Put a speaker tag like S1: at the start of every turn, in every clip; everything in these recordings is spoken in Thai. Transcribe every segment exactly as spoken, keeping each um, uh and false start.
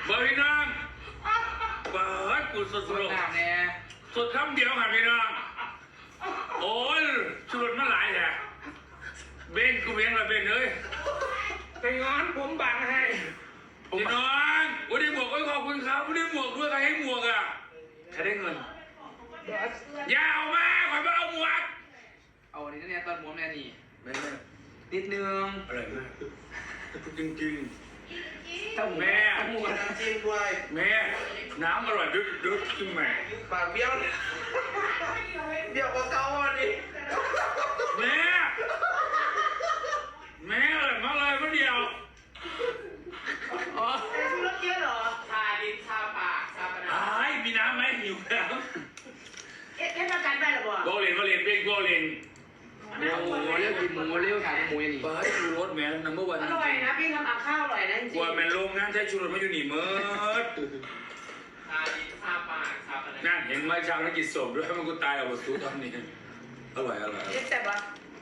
S1: บอพี่น้องเปิดกูสดสดเนี่ยสดคำเดียวค่ะพี่น้องโอ้ยชุดมันหลายแท้เบนกูเบนละเบนเลยไปงอนผมบังให้พี่น้องวันนี้หมวกก็ขอบคุณครับวันนี้หมวกด้วยใครให้หมวกอ่ะใครได้เงินยาวมากขอมาเอาหมวกเอาอันนี้เนี่ยตอนหมวกแน่นี่ไม่ไม่นิดนึงอร่อยมากจริงจริงแม่จริงด้วยแม่น้ำอร่อยดึกดึกจริงแม่ปากเบี้ยวเบี้ยวกว่าเก่าวันนี้แม่แม่อร่อยมากเลยเมื่อเดียวอ๋อชูรสเยอะเหรอชาดินชาปากชาปนาไอ้มีน้ำไหมหิวแล้วเอ๊ะเล่นประกันได้หรอบ่โกเลนโกเลนเป็นโกเลนโอ้โหเรียกกินหมูเรียกขายหมูอย่างนี้เปิดชูรสแม่นัมเบอร์วันอร่อยนะพี่ทำอาข้าวอร่อยนะจริงกลัวแม่ลงงานใช้ชูรสไม่อยู่นี่เมื่อชาดินชาปากชาปนานั่นเห็นไหมชาวนักกิจศพด้วยมันกูตายเอาบทสู้ตอนนี้อร่อยอร่อยเรียกแต่ว่า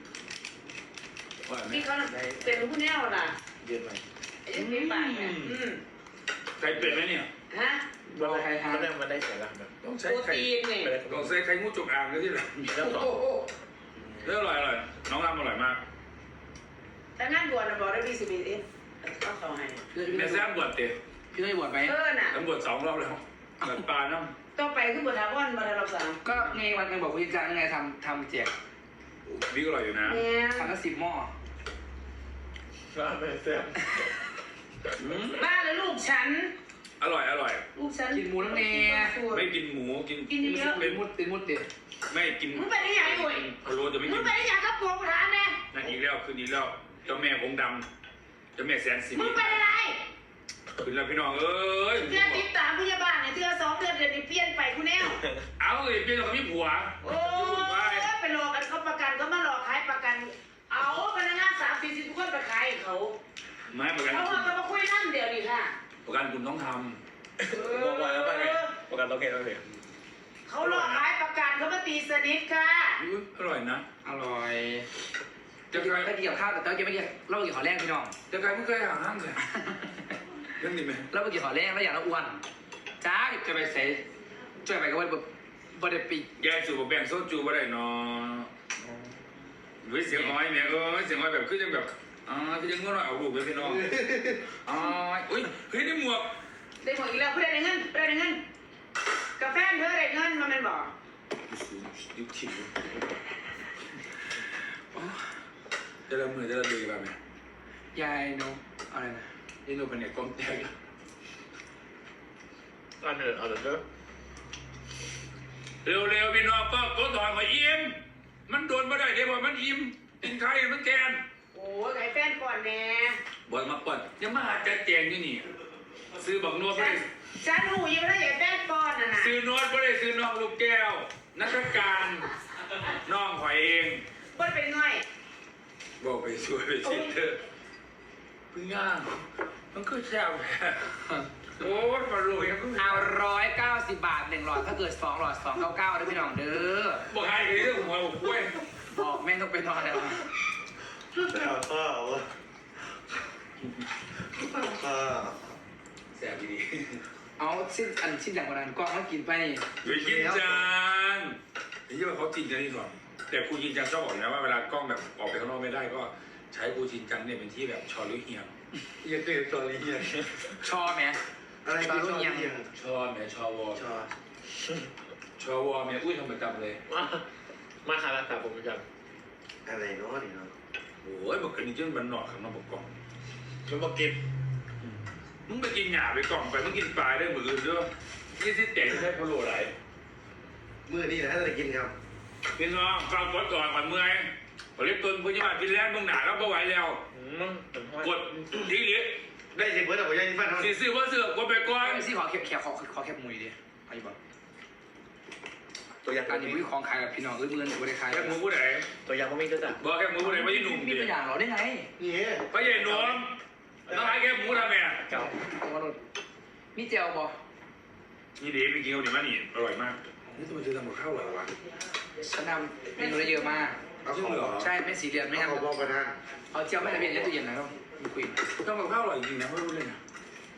S1: พี่เขาเป็นผู้แน่วน่ะเยอะไปยังมีปากเนี่ยไข่เป็ดไหมเนี่ยฮะเราไข่ทานมันได้ใส่ละต้องใช้ไข่ต้องใช้ไข่งูจงอางก็ที่หลังแล้วต่อเรื่องอร่อยอร่อยน้องรำอร่อยมากแต่งานบวชนะบอกได้พี่สิบเอ็ดก็เขาให้แม่แซ่บบวชเตะพี่ได้บวชไหมเออน่ะแล้วบวชสองรอบแล้วบวชปลาเนาะต้องไปขึ้นบวชทาวอนบวชรอบสามก็ไงวันนึงบอกพี่จังไงทำทำแจกพี่ก็อร่อยอยู่นะทำละสิบหม้อบ้าแม่แซ่บบ้าเลยลูกฉันอร่อยอร่อยลูกฉันกินหมูน้ำเนยไม่กินหมูกินกินเยอะเป็นมุดเป็นมุดเด็ดไม่กินมึงไปได้ยังไงอุ้ยพะโล้จะไม่กินมึงไปได้ยังกับพวงร้านเนี่ยนั่นอีกแล้วคืนนี้แล้วเจ้าแม่องค์ดำเจ้าแม่แสนสีมึงไปอะไรคืนแล้วพี่น้องเอ้ยเดือนติดตามพยาบาลเนี่ยเดือนสองเดือนเดือนนี้เปลี่ยนไปคุณแน่เอาเลยเปลี่ยนกับพี่ผัวโอ้ยไปหลอกกันเขาประกันก็มาหลอกขายประกันเอาพนักงานสามสี่สิบทุกคนไปขายเขาไม่ประกันเขาจะมาคุยนั่นเดี๋ยวนี้ค่ะประกันคุณต้องทำบอกไว้แล้วป่ะเนี่ยประกันต้องเก็บแล้วเนี่ยเขาหลอกขายประกันเขามาตีสนิทค่ะอร่อยนะอร่อยจะไปก็เกี่ยวข้าวแต่เจ้าจะไม่เกี่ยวเราเกี่ยวขอแรกพี่น้องจะไปไม่เคยหาห้างเลยเรื่องนี้ไหมเราเกี่ยวขอแรกแล้วอย่างเราอ้วนจ้าจะไปใส่จะไปก็ว่าแบบบไดปีแกจูบแบ่งโซจูบ่ได้เนาะวิเสียงอ้อยเนี่ยเออเสียงอ้อยแบบคือจังแบบอ๋อคือจังง้อหน่อยเอาลูกไปพี่น้องอ๋ออุ้ยเฮ้ยได้หมวกได้หมวกอีกแล้วเพื่อนได้เงินเพื่อนได้เงินกาแฟเธอได้เงินมาเป็นบอกยุบถิ่นจะละมือจะละดีแบบไหนยายโนอะไรนะยายโนเป็นเนี่ยกลมแตกอันเดินเอาเดินเร็วๆพี่น้องก็ก็ถอยมาอิ่มมันโดนมาได้เดี๋ยวบอกมันอิ่มกินไข่มันแกนโอ้ยไข่แฟนก่อนแน่บ่อยมาก่อนยังมาหาจัดแจงนี่นี่ซื้อบักนวดไปฉันหูยังไม่ได้ใหญ่แฟนก่อนนะนะซื้อนวดไปเลยซื้อน้องลูกแก้วนักการน้องหอยเองบ่เป็นง่อยบอกไปช่วยไปชิดเถอะพึ่งย่างมันก็แซ่บโอ้ยมาลุยเอาร้อยเก้าสิบบาทหนึ่งหลอดถ้าเกิดสองหลอดสองเก้าเก้าได้พี่น้องเด้อบอกให้เลยเรื่องหัวผมกล้วยบอกแม่ต้องไปนอนแล้วแต่ข้าวข้าวแซ่บดีเอาชิ้นอันชิ้นอย่างวันนั้นกล้องมากินไปไปกินจานที่ว่าเขาจริงจังที่สุดแต่ครูจินจังชอบบอกนะว่าเวลากล้องแบบออกไปข้างนอกไม่ได้ก็ใช้ครูจินจังเนี่ยเป็นที่แบบชอหรือเฮียงยังเป็นชอหรือเฮียงชอไหมอะไรชอหรือเฮียงชอไหมชอวอชอชอวอเนี่ยอุ้ยทำประจำเลยมาหารักษาผมประจำอะไรเนาะนี่เนาะโอ้ยบอกกันนี่จนมันหนอกข้างนอกบอกกล้องมันบอกกินมึงไปกินหยาไปกล่องไปมึงกินปลายได้เหมือนอื่นด้วยยี่สิบเจ็ดใช่พะโล้ไหลเมื่อนี่นะจะกินครับพี่น้องฟังกดก่อนก่อนเมื่อยผลิตตุนพุทธิมากินแล้วมึงหนาแล้วไม่ไหวแล้วกดทีเหลียได้สิเพื่อนแต่ผมยังฟันเขาซื้อว่าซื้อกดไปก่อนซื้อขอแคบแคบขอขอแคบมุยดิไอ้บอกตัวอย่างการนี้วิของขายกับพี่น้องเอื้อเมื่อนกูได้ขายแคบมือผู้ใดตัวอย่างก็ไม่ก็จะบอกแคบมือผู้ใดไม่ใช่หนุ่มดิมีตัวอย่างเราได้ไงนี่ไม่ใช่หนุ่มต้องขายแคบหมูทำไงเจ้ามีเจลบอนี่ดีไปกินเอาดิมานี่อร่อยมากนี่ทำไมเธอทำกับข้าวอร่อยวะฉันทำเมนูได้เยอะมากเอาของเหรอใช่ไม่สีเรียนไม่ทำเอาบอกกันนะเอาเจียวไม่ทำเย็นยัดตู้เย็นนะครับมีคุยทำกับข้าวอร่อยจริงนะไม่รู้เลยนะโอ้ย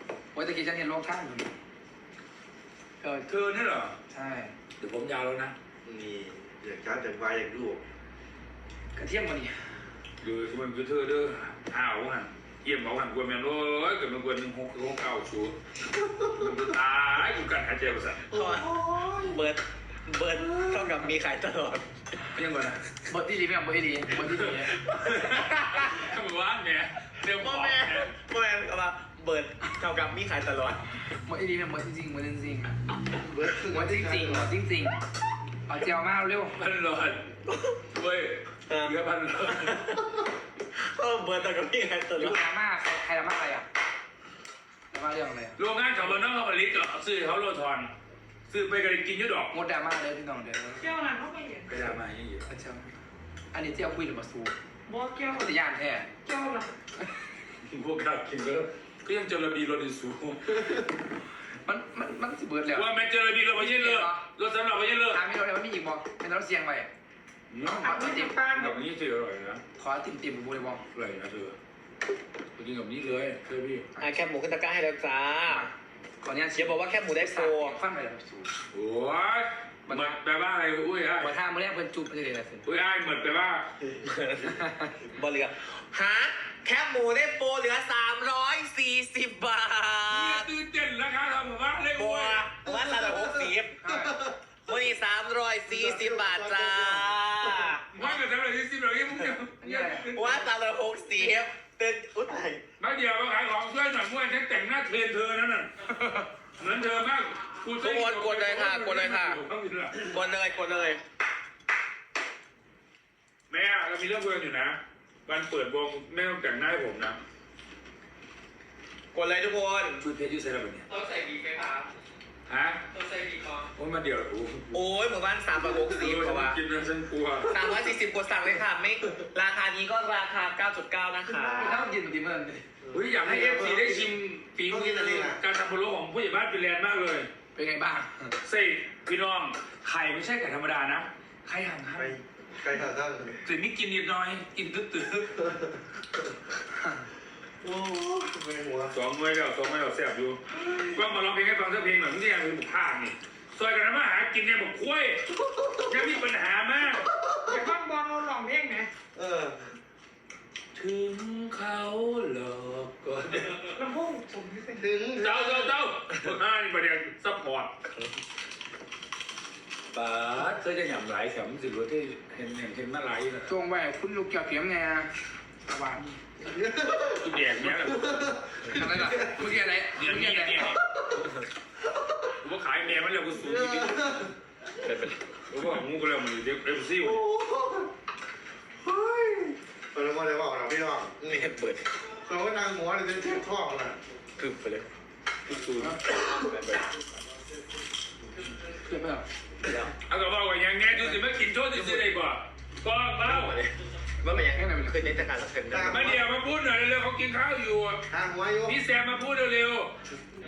S2: ว่าจะกินฉันเห็นโลกท่านอยู่เออ
S1: เธอนี่เหรอ
S2: ใช่
S1: เดี๋ยวผมยาวแล้วนะ
S3: นี่อยากช้าจากวายอย่างลูก
S2: กระเทียมมันนี่
S1: หรือมันคือเธอเด้ออ้าวหันเยี่ยมเอาหันกวนแมนโอ้ยเกิดมันกวนหนึ่งหกหกเก้าชัวมันจะตายกูกันหายใจประสาท
S4: เพราะว่าเบิร์ดเบิร์ดเท่ากับมีขายตลอด
S1: ยังไงนะ
S2: บทที่ดีไม่เอาบทที่ดีบทที่ดี
S1: ทำไมวะเนี่ยเดี๋ยวบ
S4: พ่
S1: อ
S4: อก แม่พ่อแม่ก็ว่าเบิร์ดเท่ากับมีขายตลอด
S2: บทที่ดีเป็นบทจริงๆบทจริง
S3: เบิร์ด
S2: ๆบทจริงๆบทจริงๆเอาเจียวมาเร็ว
S1: พันหลอดเว้ยเหลือพันหลอด
S4: เออเบิร์ดเท่ากับมีขายต
S2: หรือ
S4: ลอด
S2: ดราม่าใครใครดราม่าอะไรอ่ะดราม่าเรื่องอะไรอ่ะ
S1: โรงงานขับรถน้องเขาผลิตก็ซื้อเขาโลทอนซื้อไปกันกินยุดดอก
S2: งดดราม่าเลยพี่น้องเดี๋ยว
S5: เกี่ยวนั้นเขาไปเห็น
S1: กระดาษมาอย่างนี้
S2: เอาเจียวอันนี้เจียวคุยหรือมาซู
S5: บอกเกี่ยว
S2: ก็จะย่านแท้
S5: เกี่ยวนะ
S1: พวกข้ากินก็ก็ยังเจอระบีรถอีสู
S2: มันมันมันสิเบิร์ดแล้ว
S1: ว่าแม่เจอระบีรถไปยืนเลยรถสำหรับไปยืนเลย
S2: ถามไม่รู้เลยว่ามีอีกบอกเป็นรถเสียงไป
S1: เอาที่ติดปานแบบนี้สิอร่อยนะ
S2: ขอติ่มติ่มๆบูเลยบอก
S1: อร่อยนะเธอไปกินกับนี้เลยเธอพี่
S4: อ่ะแคบหมูขึ้นตะกร้าให้แล้วจ้า
S2: ขออนุญาต
S4: เชียร์บอกว่าแคบหมูได้โฟ
S2: ฟันไปแล้วซู
S1: โอ้ยเหมือนแปลว่าอะไรอุ้ยไอ้
S2: หัวท่ามือแรกเป็นจุบเลยนะสิ
S1: อุ้ยไอ้เหมือนแปลว่า
S4: บอลเหลือฮะแคบหมูได้โฟเหลือสามร้อยสี่สิบบา
S1: เนี่ย
S4: ท
S1: ตื่นเต้นราคาทำว่าเลย
S4: บั
S1: อุ้
S4: วย วันละหกสิบวันนี้สามร้อยสี่สิบบาทจ้า
S1: ว่ากันทำอะไรที่สิบแบบนี้มึงเนี่ย
S4: วันละหกสิบเต้นอุ้ย
S1: มาเดี๋ยวมาขายของช่วยหน่อยมั่วฉันแต่งหน้าเทรนเธอนั่นน่ะเหมือนเธอมาก
S4: ทุกคนกดเลยค่ะกดเลยค่ะกดเลยกดเลย
S1: แม่เรามีเรื่องคุยกันอยู่นะวันเปิดวงแม่ต้องแต่งหน้าให้ผมนะ
S4: กดเลยทุกคน
S1: ชุดเพชรยูเซอร์แบบนี้
S4: ต้องใส่บีไหมครับ
S1: ฮะ
S4: ต้องใส่บีก่อน
S1: โอ้ยมาเดี๋ยวโอ้
S4: โอ้ยหมู่บ้านสามร้อยหกสิบเพราะว่า
S1: กินแล้วฉันกลัว
S4: สามร้อยสี่สิบกดสั่งเลยค่ะไม่ราคานี้ก็ราคาเก้าจุดเก้านะคะ
S2: ถ้ามันกินมันดีเมื่อไหร่
S1: เฮ้ยอยากให้เอฟซีได้ชิมฝีมือการทำพะโล้ของผู้ใหญ่บ้านฟินแลนด์มากเลย
S2: เป็นไงบ้าง
S1: เซ่พี่น้องไข่ไม่ใช่ไข่ธรรมดานะไข่ห่าง
S3: ใครใครหาข้าง
S1: ๆถึงนี่กินนิดหน่อยกินตื้อ
S3: โอ้ไม่หัว
S1: ๆสองมือแล้วสองมือแล้วแซ่บอยู่ก็มาร้องเพลงให้ฟังสักเพลงหน่อยมึงเนี่ยคือบุกภาคนี่ซอยกันมาหากินเนี่ยบอกคุ้ยยังมีปัญหามาก
S5: อย่าฟังบอลเราหลองเพลงไหม
S3: เออ
S1: ถึงเขาหลอกก็
S5: ลำโพงผมที่เป็น
S3: ถึง
S1: เจ้าเจ้าเจ้าห้านี่ประเด็นซัพพอร์ตบาสเธอจะหย่ำไหลแถมสิว่าที่เห็นเห็นเห็นมาไหลนะ
S2: จงไว้คุณลูกเกี่ยวเขียมไงสว่าง
S1: กูแดกเนี้ย
S2: อะไรล่ะเมื่อกี้อะไร
S1: เดี๋ยว
S2: เมื่อ
S1: นี้
S2: กี้อะไร
S1: เนี่ยกูว่าขายแม่มันแล้วกูสูงจริงๆกูว่างูก็แล้วมันเด็กเอฟซี
S3: โอ้เฮ้ยเปิดมาเลยบอกเราพี่น้อง
S4: ไม่เห็นเปิด
S3: เขาก็นั่งหัวเลยจะท่อน่ะ
S4: คือไปเลย
S1: กูสูง
S2: เกิดไปหรอ
S1: เอากระบอกว่าอย่างงี้ดูสิไม่กินโชว์สิได้กว่าก็เบ้า
S4: ว่ามันยังเคยเล่นจากการรับเงินได้
S1: มาเดี๋ยวมาพูดหน่อยเร็วๆเขากินข้าวอยู่
S3: ทางหัวโย
S1: พี่แซมมาพูดเร็ว